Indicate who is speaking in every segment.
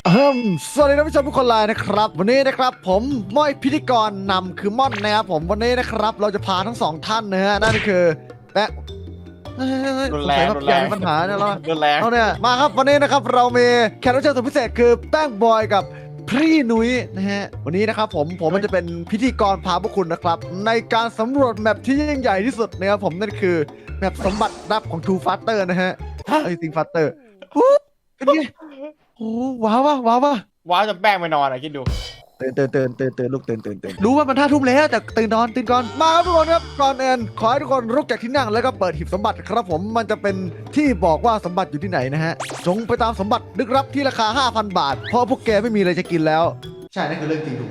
Speaker 1: สวัสดีท่านผู้ชมทุกคนเลยนะครับวันนี้นะครับผมม้อยพิธีกรนำคือม่อนนะครับผมวันนี้นะครับเราจะพาทั้งสองท่านนะฮะนั่นคือแปะ
Speaker 2: รุนแรง
Speaker 1: สงสัยมีปัญหาเนี่ยเรา
Speaker 2: รุนแรง
Speaker 1: เอาเนี่ยมาครับวันนี้นะครับเรามีแขกรับเชิญสุดพิเศษคือแป้งบอยกับพี่นุ้ยนะฮะวันนี้นะครับผมมันจะเป็นพิธีกรพาพวกคุณนะครับในการสำรวจแมปที่ยิ่งใหญ่ที่สุดนะครับผมนั่นคือแมปสมบัติลับของทูฟัตเตอร์นะฮะซิงฟัตเตอร์เป็นไงโอ้ว้าวว้าว
Speaker 2: ว้าวจะแป้งไปนอนคิดดู
Speaker 1: ตื่นลูกตื่นรู้ว่ามัน5 ทุ่มแล้วแต่ตื่นก่อนมาครับทุกคนครับก่อนอื่นขอให้ทุกคนลุกจากที่นั่งแล้วก็เปิดหีบสมบัติครับผมมันจะเป็นที่บอกว่าสมบัติอยู่ที่ไหนนะฮะจงไปตามสมบัติลึกลับที่ราคา 5,000 บาทเพราะพวกแกไม่มีอะไรจะกินแล้วใช่นั่นคือเรื่องจริงถูกไหม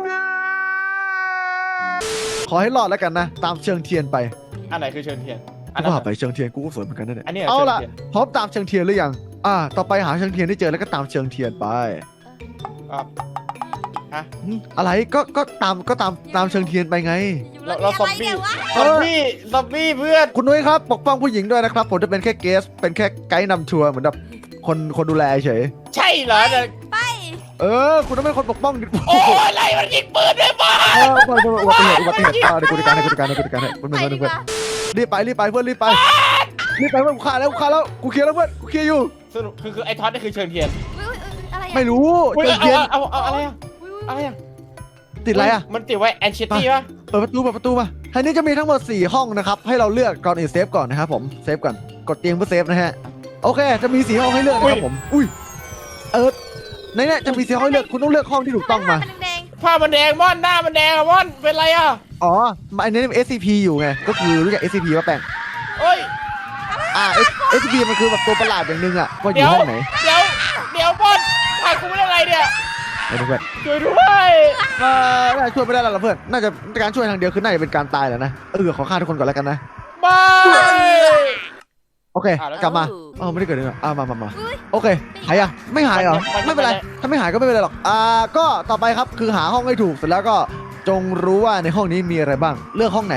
Speaker 1: ขอให้รอดแล้วกันนะตามเชิงเทียนไป
Speaker 2: อันไหนคือเชิญเทียน
Speaker 1: กูว่าไปเชิงเทียนกูก็สวยเหมือนกันนั่นแหละ
Speaker 2: อันนี้
Speaker 1: เอาล่ะ
Speaker 2: เชิญเทียน
Speaker 1: พร้อมตามเชิงเทียนหรือยังต่อไปหาเชิงเทียนได้เจอแล้วก็ตามเชิงเทียนไป
Speaker 2: ครับ
Speaker 1: อะไรก็ตามเชิงเทียนไปไง
Speaker 2: เราซอมบี้ซอมบี้เพื่อน
Speaker 1: คุณนุ้ยครับปกป้องผู้หญิงด้วยนะครับผมจะเป็นแค่เกสเป็นแค่ไกด์นำทัวร์เหมือนแบบคนดูแลเฉย
Speaker 2: ใช่เหรอเนี่ย
Speaker 1: คุณต้องเป็นคนปกป้องดิ
Speaker 2: โอ้ยอะไรมันยิงปืนด้วยบ้า
Speaker 1: อุบัติเหตุเดี๋ยวกูจัดการให้มันรีบไปเพื่อนรีบไปเพื่อนกูฆ่าแล้วกูเคลียร์แล้วเพื่อนกูเคลียร์อยู่
Speaker 2: สรุปคือไอ้ท็อตนี่คือเชิญเทียน
Speaker 1: ไม่รู้
Speaker 2: อุ๊ย
Speaker 1: เจอเทียน
Speaker 2: เอาอะไรอะอะไรอะ
Speaker 1: ติดอะไรอ่ะ
Speaker 2: มันติดไว้แอนเชตตี้ป่ะ
Speaker 1: เปิดประตูมาทางนี้จะมีทั้งหมด4ห้องนะครับให้เราเลือกก่อนอื่นเซฟก่อนนะครับผมเซฟก่อนกดเตียงเพื่อเซฟนะฮะโอเคจะมี4ห้องให้เลือกนะครับผมอุ้ยในนี้จะมี4ห้องให้เลือกคุณต้องเลือกห้องที่ถูกต้องมา
Speaker 2: ผ้ามันแดงม่อนหน้ามันแดงอะม่อนเป็นไรอะ
Speaker 1: อ๋ออันนี้มัน SCP อยู่ไงก็คือรู้จัก SCP ป่ะแป้ง
Speaker 2: เอ้ย
Speaker 1: SCP มันคือแบบตัวประหลาดอย่างนึงอ่ะว่าอยู่ห้องไหน
Speaker 2: เดี๋ยวม่อนถ่ายกูไม่ได้ไรเนี่ย
Speaker 1: ไม่รู้เพื่อน
Speaker 2: ช่วยด้วย
Speaker 1: น่าจะช่วยไม่ได้แล้วล่ะเพื่อนน่าจะการช่วยทางเดียวคือน่าจะเป็นการตายแหละนะขอฆ่าทุกคนก่อนแล้วกันนะ
Speaker 2: ไม่
Speaker 1: โอเคกลับมาไม่ได้เกิดอะไรมาโอเคหายยังไม่หายเหรอไม่เป็นไรถ้าไม่หายก็ไม่เป็นไรหรอกก็ต่อไปครับคือหาห้องให้ถูกเสร็จแล้วก็จงรู้ว่าในห้องนี้มีอะไรบ้างเลือกห้องไหน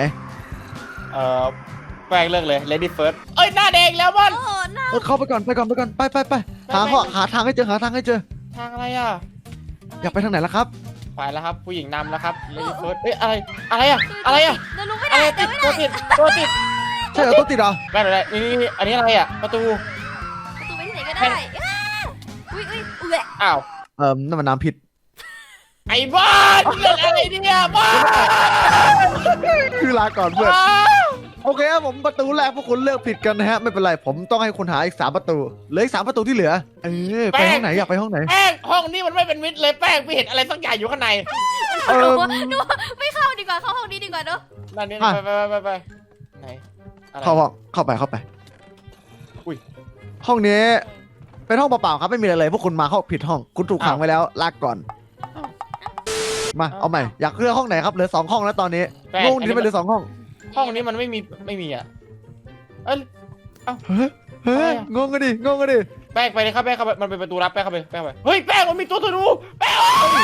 Speaker 2: แปลงเลิกเลย Lady First เอ้ยหน้าแดงแล้วม่อน
Speaker 1: เข้าไปก่อนไปหาทางให้เจอ
Speaker 2: ทางอะไรอ่ะ
Speaker 1: อยากไปทางไหนล่ะครับ
Speaker 2: ไปแล้วครับผู้หญิงนำแล้วครับ Lady First เอ้ยอะไรอ่ะ
Speaker 3: เรารู้ไม่
Speaker 2: อะ
Speaker 3: ได้
Speaker 2: ไรติดตัวติด
Speaker 1: ใช่เหรอตัวติดเหรอ
Speaker 2: แม่อะไรนี่อันนี้อะไรอ่ะประตู
Speaker 3: ประตูไปที่ไหนก็ได้อุ้ยแหวะ
Speaker 2: อ้าว
Speaker 1: นั่นมันน้ำพิษ
Speaker 2: ไอ้บ้านเล่นอะไรเนี่ยบ้าน
Speaker 1: คือลาก่อนเพื่อนโอเคครับผมประตูแรกพวกคุณเลือกผิดกันนะฮะไม่เป็นไรผมต้องให้คุณหาอีก3ประตูเหลืออีก3ประตูที่เหลือไปห้องไหนอยากไปห้องไหน
Speaker 2: แป้งห้องนี้มันไม่เป็นมิตรเลยแป้งไม่เห็นอะไรสักอย่างอยู่ข้างใน
Speaker 3: หนูไม่เข้าดีกว่าเข้าห้องนี้ดีกว่าเนาะ
Speaker 2: นั่นนี่ไปไหนอะไร
Speaker 1: เข้าไป
Speaker 2: อุ้ย
Speaker 1: ห้องนี้เป็นห้องเปล่าๆครับไม่มีอะไรเลยพวกคุณมาเข้าผิดห้องคุณถูกขังไว้แล้วลากก่อนมาเอาใหม่อยากเลือกห้องไหนครับเหลือ2ห้องแล้วตอนนี้งงที่ไม่เหลือ2ห้อง
Speaker 2: ห้องนี้มันไม่มีอ่ะเอ้ย
Speaker 1: เฮ้ยงงกันดิ
Speaker 2: แป้งไปเลยครับแป้งเข้าไปมันเป็นประตูลับแป้งเข้าไปเฮ้ยแป้งมันมีตัวธนูแป้ง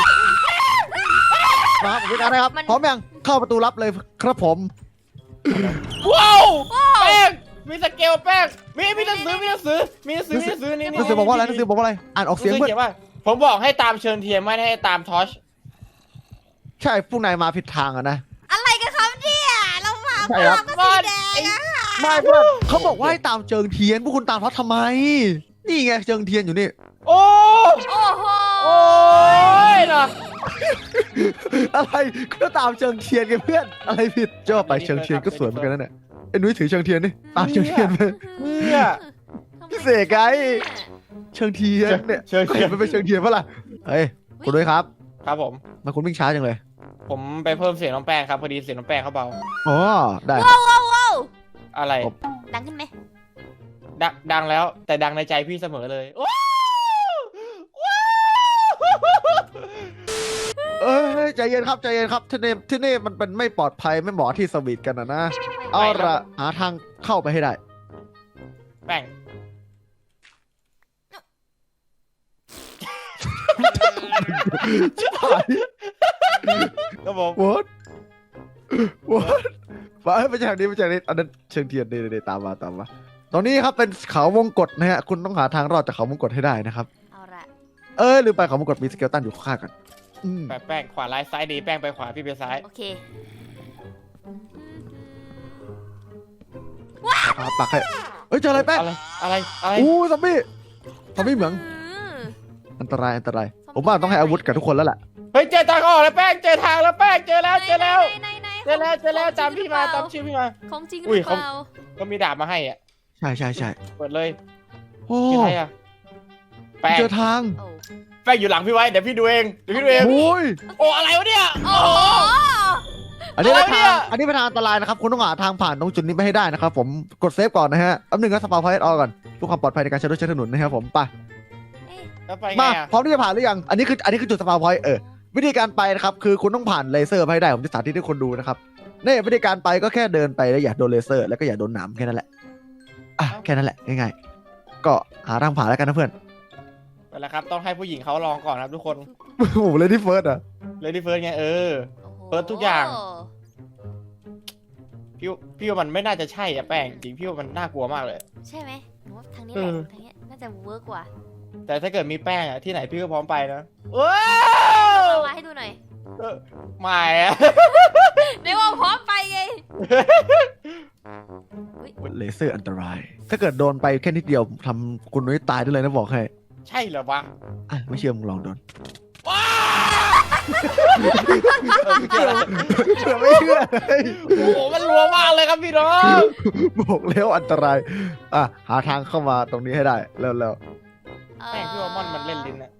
Speaker 1: มาผมไปกันนะครับพร้อมยังเข้าประตูลับเลยครับผม
Speaker 2: ว้าวแป้งมีสเกลแป้งมีหนังสือนี่
Speaker 1: หนังสือบอกว่าอะไรอ่านออกเสียงเพื่อน
Speaker 2: ว่าผมบอกให้ตามเชิญเทียนไม่ให้ตามทอช
Speaker 1: ใช่พวกนายมาผิดทางอะนะ
Speaker 3: อะไรกันครับเนี่ยเรามา
Speaker 1: ใช่ครับ
Speaker 3: ก็สีแดงอะ
Speaker 1: ไม่เพื่อนเขาบอกว่าให้ตามเชิงเทียนพวกคุณตามเขาทำไมนี่ไงเชิงเทียนอยู่นี่
Speaker 2: โอ้
Speaker 3: โอ้โห
Speaker 2: โอ้ยนะ
Speaker 1: อะไรก็ตามเชิงเทียนไงเพื่อนอะไรผิดเจ้าไปเชิงเทียนก็สวยเหมือนกันนั่นแหละไอ้นุ้ยถือเชิงเทียนนี่ตามเชิงเทียนไป
Speaker 2: เนี่ย
Speaker 1: พี่เสกไงเชิงเทียนเนี่ยก็เห็นมันเป็นเชิงเทียนปะล่ะเฮ้ยคุณด้วยครับ
Speaker 2: ครับผม
Speaker 1: มาคุณวิ่งช้าจังเลย
Speaker 2: ผมไปเพิ่มเสียงน้องแป้งครับพอดีเสียงน้องแป้งเขาเบา
Speaker 1: อ๋อได้
Speaker 3: ว้าว
Speaker 2: อะไร
Speaker 3: ดังขึ้นไหม
Speaker 2: ดังแล้วแต่ดังในใจพี่เสมอเลยว้าว
Speaker 1: ใจเย็นครับที่นี่มันเป็นไม่ปลอดภัยไม่เหมาะที่สวีทกันนะเอาละหาทางเข้าไปให้ได้
Speaker 2: แป้ง
Speaker 1: ชิบหาย
Speaker 2: ครับผม
Speaker 1: what ไปจากนี้อันนั้นเชิงเทียนเดตามมาตรงนี้ครับเป็นเขาวงกฏนะฮะคุณต้องหาทางรอดจากเขาวงกฏให้ได้นะครับ
Speaker 3: เอาละ
Speaker 1: ลืมไปของมงกฎมีสเกลตันอยู่ข้างๆกันอืม
Speaker 2: แป้งขวาร้ายซ้ายดีแป้งไปขวาพี่ไปซ้าย
Speaker 3: โอเค
Speaker 1: ปักให้เอ้ยเจออะไรแป้ง
Speaker 2: อะไร
Speaker 1: อู้ซอมบี้เหมือง อันตรายผมว่าต้องให้อาวุธกับทุกคนแล้วแหละ
Speaker 2: เฮ้ยเจอทางออกแล้วแป้งเจอทางแล้วแป้งเจอแล้ว
Speaker 3: ไหน
Speaker 2: เจอแล้วตามพี่มา
Speaker 3: ของ
Speaker 2: ตามชื่อพี่มา
Speaker 3: ของจริงห
Speaker 2: อุ้
Speaker 3: รื
Speaker 2: ย
Speaker 3: อเปล่า
Speaker 2: ก็มีดาบมาให้อ่ะ
Speaker 1: ใช่
Speaker 2: เปิดเลย
Speaker 1: โอ้
Speaker 2: มีอะไรอ่ะแป้ง
Speaker 1: เจอทาง
Speaker 3: โอ้
Speaker 2: แป้งอยู่หลังพี่ไว้เดี๋ยวพี่ดูเอง
Speaker 1: โอ้ย
Speaker 2: โอ้อะไรวะเนี่ย
Speaker 3: โอ้โห
Speaker 1: อันนี้เป็น
Speaker 2: อะไรเนี่
Speaker 1: ทาง
Speaker 2: ย
Speaker 1: อันนี้เป็นทางอันตรายนะครับคุณต้องหาทางผ่านตรงจุดนี้ไปให้ได้นะครับผมกดเซฟก่อนนะฮะแป๊บนึงก็สปาร์พอยต์ออกก่อนเพื่อความปลอดภัยในการใช้รถใช้ถนนนะครับผมไป
Speaker 2: แล้วไปไง
Speaker 1: มา
Speaker 2: อ่ะ
Speaker 1: พร้อมที่จะผ่านหรือยังอันนี้คือจุดสปาร์พอยต์วิธีการไปนะครับคือคุณต้องผ่านเลเซอร์ไปให้ได้ผมจะสาธิตให้คนดูนะครับนี่วิธีการไปก็แค่เดินไปแล้วอย่าโดนเลเซอร์แล้วก็อย่าโดนหนามแค่นั้นแหละแค่นั้นแหละง่ายๆก็หาทางผ่านแล้วกันนะเพื่อน
Speaker 2: ไปแล้วครับต้องให้ผู้หญิงเขาลองก่อนครับทุกคน
Speaker 1: โอ้โหเลยที่เฟิร์สอ่ะ
Speaker 2: เลยที่เฟิร์สไง
Speaker 3: โอ้โห
Speaker 2: เปิดทุกอย่าง พี่ว่ามันไม่น่าจะใช่อะแป้งจริงพี่ว่ามันน่ากลัวมากเลย
Speaker 3: ใช่ไหมหนูว่าทางนี้แหละทางนี้น่าจะเวิร์กกว่า
Speaker 2: แต่ถ้าเกิดมีแป้งอะที่ไหนพี่ก็พร้อมไปนะว้า
Speaker 3: เอา
Speaker 2: ว
Speaker 3: มาให้ดูหน่อย
Speaker 2: ไม่อะ
Speaker 3: เดี๋ยวว่าพร้อมไปไง
Speaker 1: เลเซอร์อันตราย ถ้าเกิดโดนไปแค่นิดเดียวทำคุณนุ้ยตายได้เลยนะบอกให้
Speaker 2: ใช่เหรอวะ
Speaker 1: ไม่เชื่อมึงลองโดน
Speaker 2: ว้า
Speaker 1: เชื่อไม่เชื่อเลย
Speaker 2: โอ้โหมันรัวมากเลยครับพี่น้อง
Speaker 1: บอกแล้วอันตรายหาทางเข้ามาตรงนี้ให้ได้แล้ว
Speaker 2: แป้งพี่ว่ามอนมันเล่นลิ้นอะ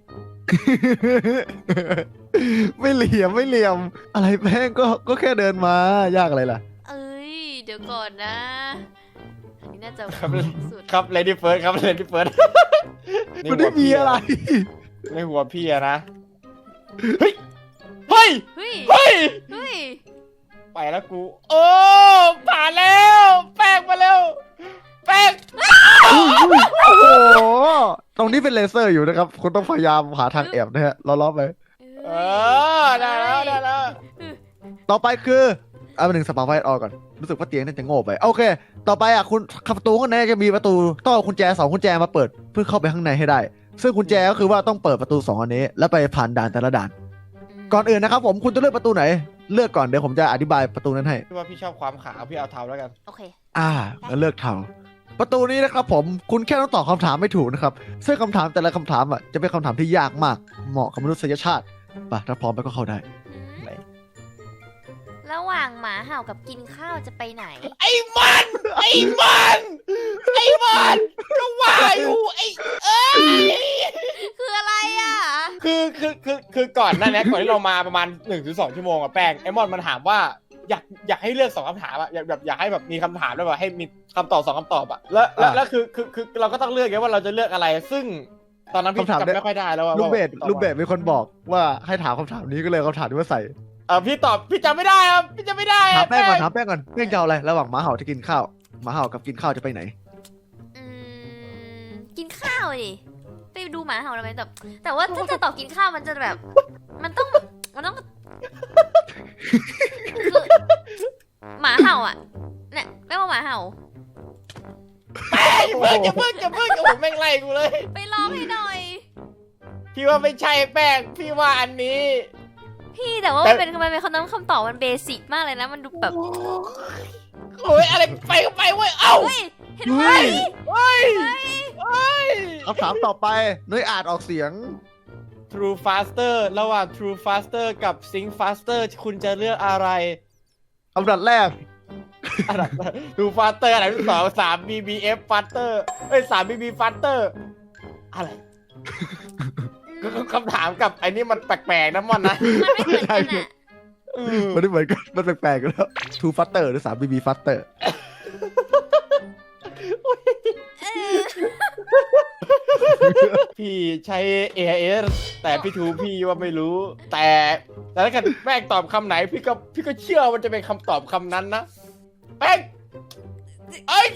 Speaker 1: ไม่เหลี่ยมอะไรแป้งก็แค่เดินมายากอะไรล่ะ
Speaker 3: เอ้ยเดี๋ยวก่อนนะ อันนี้น่าจะ
Speaker 2: ครับ
Speaker 3: สุด
Speaker 2: ครับเลดี้เฟิร์สครับเลดี้เฟิร์ส
Speaker 1: มันไม่มีอะไร
Speaker 2: ในหัวพี่อะนะเฮ้ยเฮ้ย
Speaker 3: เฮ้ย
Speaker 2: เฮ้ย
Speaker 3: เฮ้ย
Speaker 2: ไปแล้วกู โอ้ผ่านแล้ว แป้งมาแล้วแป้ง
Speaker 1: โอ้โหตรงนี้เป็นเลเซอร์อยู่นะครับคุณต้องพยายามหาทางแอบนะฮะล้อๆไป
Speaker 2: เออได้แล้ว
Speaker 1: ต่อไปคือเอาไปหนึ่งสปาร์ไฟต์ออกก่อนรู้สึกว่าเตียงน่าจะโง่ไปโอเค ต่อไปคุณประตูข้างในจะมีประตูต้องเอากุญแจ2กุญแจมาเปิดเพื่อเข้าไปข้างในให้ได้ ซึ่งกุญแจก็คือว่าต้องเปิดประตู2อันนี้แล้วไปผ่านด่านแต่ละด่าน ก่อนอื่นนะครับผมคุณจะเลือกประตูไหนเลือกก่อนเดี๋ยวผมจะอธิบายประตูนั้นให้
Speaker 2: พี่ว่าพี่ชอบความขาวพี่เอาเทาแล้วกัน
Speaker 3: โอเค
Speaker 1: งั้นเลือกเทาประตูนี้นะครับผมคุณแค่ต้องตอบคำถามไม่ถูกนะครับซึ่งคำถามแต่ละคำถามจะเป็นคำถามที่ยากมากเหมาะกับมนุษยชาติไปถ้าพร้อมแล้วก็เข้าได้
Speaker 3: ระหว่างหมาเห่ากับกินข้าวจะไปไหน
Speaker 2: ไอ้มันก็ว่าอยู่เอ้ย
Speaker 3: คืออะไรอ่ะ
Speaker 2: คือก่อนหน้านี้ก่อนที่เรามาประมาณ 1-2 ชั่วโมงอะแป้งไอ้มอนมันถามว่าอยากให้เลือก2คำถามอะอยากให้แบบมีคำถามแล้วแบบให้มีคำตอบ2คำตอบอะแล้วคือเราก็ต้องเลือกไงว่าเราจะเลือกอะไร ซึ่งตอนนั้นพี่จำไม่ค่อยได้แล้วว่า
Speaker 1: ลูกเบสมีคนบอกว่าให้ถามคำถามนี้ก็เลยเอาคำถามนี้มาใส่
Speaker 2: พี่จำไม่ได้ครับพี่จำไม่ได้
Speaker 1: ถามแป้งก่อนเรื่องจะเอาอะไรระหว่างหมาเห่าจะกินข้าวหมาเห่ากับกินข้าวจะไปไหน
Speaker 3: กินข้าวดิไปดูหมาเห่าทำไมแต่ว่าถ้าจะตอบกินข้าวมันจะแบบ มันต้องคือหมาเห่าอ่ะเนี่ยไม่ว่าหมาเห่า
Speaker 2: อย่าเพิ่งผมแม่งไล่กูเลย
Speaker 3: ไปลองให้หน่อย
Speaker 2: พี่ว่าไม่ใช่แป้งพี่ว่าอันนี้
Speaker 3: พี่แต่ว่ามันเป็นคำตอบมันเบสิกมากเลยนะมันดูแบบ
Speaker 2: โอ้ยอะไรไปก็ไปเว้ยเอ้า
Speaker 3: เฮ้ยเห็นไหม
Speaker 2: เฮ้ย
Speaker 1: คำถามต่อไปนุ้ยอ่านออกเสียง
Speaker 2: True Faster ระหว่าง True Faster กับ Sync Faster คุณจะเลือกอะไร
Speaker 1: อันดับแรก
Speaker 2: True Faster อันดับที่2 3 BBF Faster 3 BB Faster อะไรคำถามกับไอ้นี่มันแปลกๆนะมันนะ
Speaker 3: มันไม่เหมือนกันอ่ะ
Speaker 1: มันไม่เหมือนกันมันแปลกๆกันแล้ว Two Faster หรือ3 BB Faster
Speaker 2: พี่ใช้ AIS แต่พี่ทูพี่ว่าไม่รู้ แต่ถ้าเกิดแป้งตอบคำไหนพี่ก็เชื่อมันจะเป็นคำตอบคำนั้นนะแป้งเอ้ย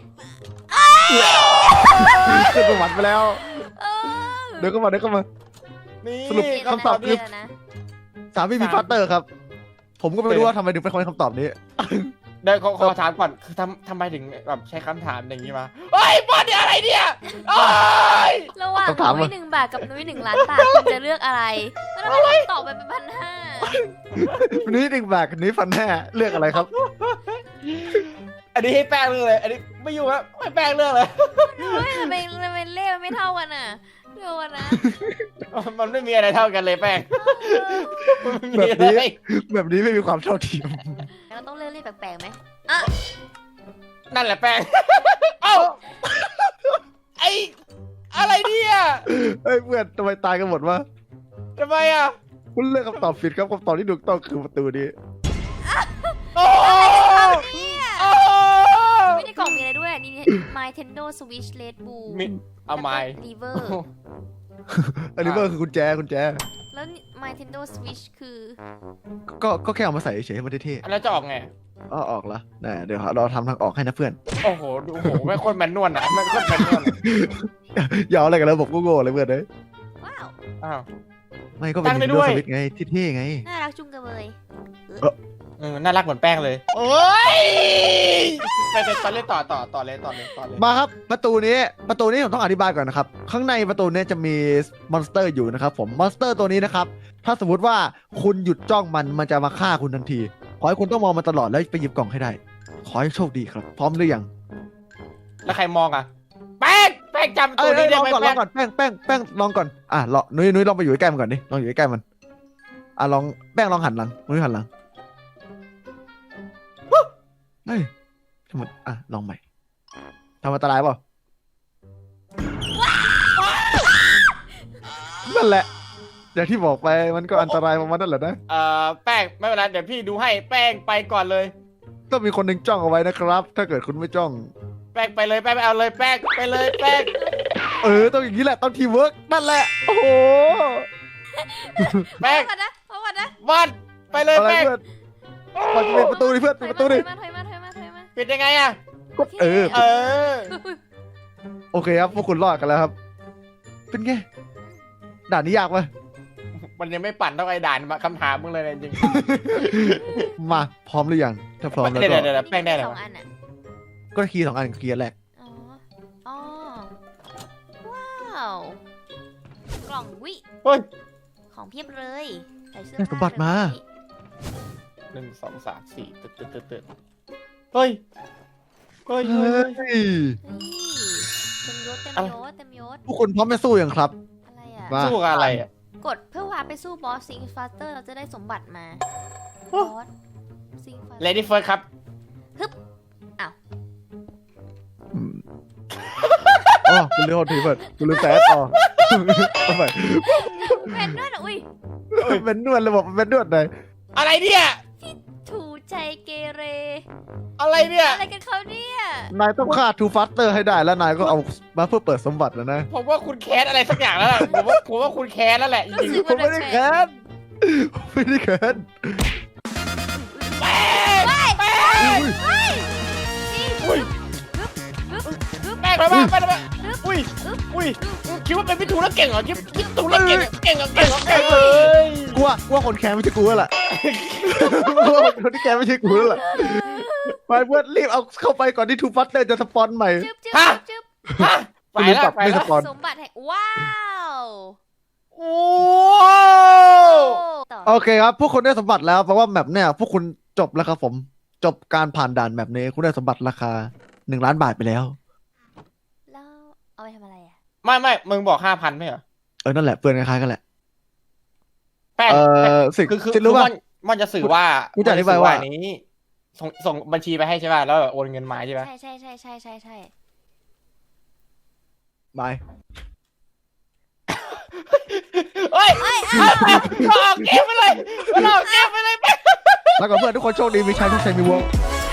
Speaker 1: ขึ้นสวรรค์ไปแล้ว
Speaker 3: เออ
Speaker 1: เดี๋ยวก็มา
Speaker 2: นี่
Speaker 1: สรุปคำตอบคือ
Speaker 3: นะ
Speaker 1: 3 BB Faster ครับ ผมก็ไม่รู้ว่าทำไมถึงเป็นคนคำตอบนี้
Speaker 2: เดี๋ยวขอถามก่อนคือทำไมถึงแบบใช้คำถามอย่างนี้มาเฮ้ยบอลเนี่ยอะไรเนี่ยโอ้ย
Speaker 3: ระหว่างนุ้ย1 บาทกับนุ้ย1 ล้านบาทคุณจะเลือกอะไรแล้วทำไมคุณตอบไปเป็น1,500
Speaker 1: นุ้ย1 บาทกับนุ้ย1,500เลือกอะไรครับ
Speaker 2: อันนี้ให้แป้งเลือกเลยอันนี้ไม่อยู่ครับให้แป้งเลือกเลย
Speaker 3: เฮ้ยทำไมเลขมันไม่เท่ากันอ่ะเดี๋ยวก่อนนะ
Speaker 2: มันไม่มีอะไรเท่ากันเลยแป้งมันไม่มีอะไร
Speaker 1: แบบนี้ไม่มีความเท่าเทียม
Speaker 3: เราต้องเลือกเลขแปลกๆไหม
Speaker 2: นั่นแหละแป้งเอ้าไออะไรเนี่ย
Speaker 1: เฮ้ยเพื่อนทำไมตายกันหมดวะ
Speaker 2: ทำไมอ่ะ
Speaker 1: คุณเลือกคำตอบผิดครับคำตอบที่ถูกต้องคือประตูนี้
Speaker 2: โอ้โอ้
Speaker 3: ไม่ได้กล่องมีอะไรด้วยนี่ Nintendo Switch Red Bull
Speaker 2: มีเอาไม้
Speaker 3: River
Speaker 1: อันนี้ก็คือกุญแจ
Speaker 3: แล้ว Nintendo Switch คือ
Speaker 1: ก็แค่เอามาใส่เฉยๆให้มันเท่
Speaker 2: อันนั้นจะออกไง
Speaker 1: ๆออกละน่เดี๋ยวเราทำทางออกให้นะเพื่อน
Speaker 2: โอ้โหดูโอ้โหแม่งโคตรแมนนวลอ่ะแม่งโคตรแมนนวล
Speaker 1: อย่าเอาอะไรกันแล้วผมก็โง่เลยเพื่อนเลย
Speaker 3: ว้าว
Speaker 2: อ้าว
Speaker 1: ไม่ก็เป็น
Speaker 2: ตั้งได้
Speaker 1: Nintendo
Speaker 2: ด้วย
Speaker 1: Switch ไงที่เท่ไง
Speaker 3: น่ารักจุงกันเลย
Speaker 2: น่ารักเหมือนแป้งเลยโอ้ยไปตอนเล่นต่อเลย
Speaker 1: มาครับประตูนี้ผมต้องอธิบายก่อนนะครับข้างในประตูนี้จะมีมอนสเตอร์อยู่นะครับผมมอนสเตอร์ตัวนี้นะครับถ้าสมมติว่าคุณหยุดจ้องมันจะมาฆ่าคุณทันทีขอให้คุณต้องมองมันตลอดแล้วไปหยิบกล่องให้ได้ขอให้โชคดีครับพร้อมหรือยัง
Speaker 2: แล้วใครมองอ่ะแป้งจำตัวนี้ได้ไหม
Speaker 1: ลอง
Speaker 2: แป้ง
Speaker 1: ก่อนแป้งลองก่อนลองนุ้ยลองไปอยู่ใกล้มันก่อนดิลองอยู่ใกล้มันลองแป้งลองหันหลังนุ้ยหันหลังเฮ้ยทำไมลองใหม่ทำอันตรายเปล่านั่นแหละอย่างที่บอกไปมันก็อันตรายประมาณนั่นแหละนะ
Speaker 2: แป้งไม่เป็นไรเดี๋ยวพี่ดูให้แป้งไปก่อนเลย
Speaker 1: ต้องมีคนหนึ่งจ้องเอาไว้นะครับ ถ้าเกิดคุณไม่จ้อง
Speaker 2: แป้งไปเลยแป้งไปเอาเลยแป้งไปเลยแป้ง
Speaker 1: ต้องอย่างนี้แหละต้องทีมเวิร์กนั่นแหละโอ้โห
Speaker 2: แป้ง
Speaker 3: ก่อนนะ
Speaker 2: วันไปเลย
Speaker 1: อะไร
Speaker 2: แป้ง
Speaker 1: เพื่อนมันจะเป็นประตูดิเพื่อนปิดประตูดิ
Speaker 3: ถอยมา
Speaker 2: ปิดยังไงอ่ะ
Speaker 1: ก็เออ
Speaker 3: อุ๊ย
Speaker 1: โอเคครับพวกคุณรอดกันแล้วครับ เป็นไงด่านนี้ยากไหม
Speaker 2: มันยังไม่ปั่นเท่าไอ้ด่านมาคำถามมึงเลยนะจริง
Speaker 1: มาพร้อมหรือยังถ้าพร้อมแล้ว
Speaker 2: เดี๋
Speaker 1: ก็
Speaker 2: ยวแป้งได้เหรอ
Speaker 3: 2 อันอ่ะ
Speaker 1: ก็คีย์2 อันคีย์อันแรก
Speaker 3: อ๋อว้าวกล่องวิ
Speaker 2: เฮ้ย
Speaker 3: ของเพียบเลยใส่เสื้อ
Speaker 1: ได้สมบัติมา
Speaker 2: 1 2 3 4ตึ๊ดเฮ้ย
Speaker 1: เฮ้ย
Speaker 3: นี่เต็มยศ
Speaker 1: พวกคุณพร้อมจะสู้ยังครับ
Speaker 3: อะไรอ่ะ
Speaker 1: มา
Speaker 2: สู้กับอะไรอ่ะ
Speaker 3: กดเพื่อพาไปสู้บอสซิงฟาสเตอร์เราจะได้สมบัติมา
Speaker 2: โอ้
Speaker 3: บอสซิงฟาสเตอร์
Speaker 2: Lady First ครับ
Speaker 1: อ๋อคุณเลือกทีเปิดคุณลืมแซดอ๋อทำไม
Speaker 3: เป็นด้วยเหรออุ้ย
Speaker 1: เป็นนวดระบบเป็นนวดไหน
Speaker 2: อะไรเนี่ย
Speaker 3: ถูใจเกเร
Speaker 2: อะไรเนี่ย
Speaker 3: อะไรกันเขาเนี่ย
Speaker 1: นายต้องฆ่าทูฟัสเตอร์ให้ได้แล้วนายก็เอามาเพื่อเปิดสมบัติแล้วนะ
Speaker 2: ผมว่าคุณแคสอะไรสักอย่างแล้วแหละผมว่าคุณแคสแล้วแหละจริง
Speaker 1: ผมไม่ได้แค้นผมไม่ได้แค้น
Speaker 2: ๆแป้งแป้งอุ้ยแป้งไปมาอุ้ยคิดว่าเป็นพิทูแล้วเก่งเหรอคิดพิทูแล้วเก่งเลย
Speaker 1: กูว่าคนแค้นไม่ใช่กูแล้วล่ะกูว่าคนที่แค้นไม่ใช่กูแล้วล่ะไปเพื่อนรีบเอาเข้าไปก่อนที่ทูฟัสเตอร์จะสปอนใหม่
Speaker 3: จึ๊บ
Speaker 2: ฮะไปแล้ว
Speaker 1: ไม่สปอน
Speaker 3: สมบัติแห่งว้าว
Speaker 2: โอ้
Speaker 3: ต่อ
Speaker 1: โอเคครับพวกคุณได้สมบัติแล้วเพราะว่าแมปเนี่ยพวกคุณจบแล้วครับผมจบการผ่านด่านแมปนี้คุณได้สมบัติราคา1 ล้านบาทไปแล้ว
Speaker 3: แล้วเอาไปทำอะไรอ่ะ
Speaker 2: ไม่มึงบอก 5,000ไม่เหรอ
Speaker 1: นั่นแหละเพื่อนคล้ายๆกันแหละ
Speaker 2: แป้ง
Speaker 1: สิ
Speaker 2: คือ
Speaker 1: รู้ป่ะ
Speaker 2: มันจะสื่อว่า
Speaker 1: กูจะอธิบายว่า
Speaker 2: นี้ส่งบัญชีไปให้ใช่ป่ะแล้วโอนเงินมาใช่ป่ะ
Speaker 3: ใช่
Speaker 1: บาย
Speaker 2: เฮ้ยออกเกมไปเลยแป้ง
Speaker 1: แล้วก็เพื่อนทุกคนโชคดีมีชัยทุกชัยมีวง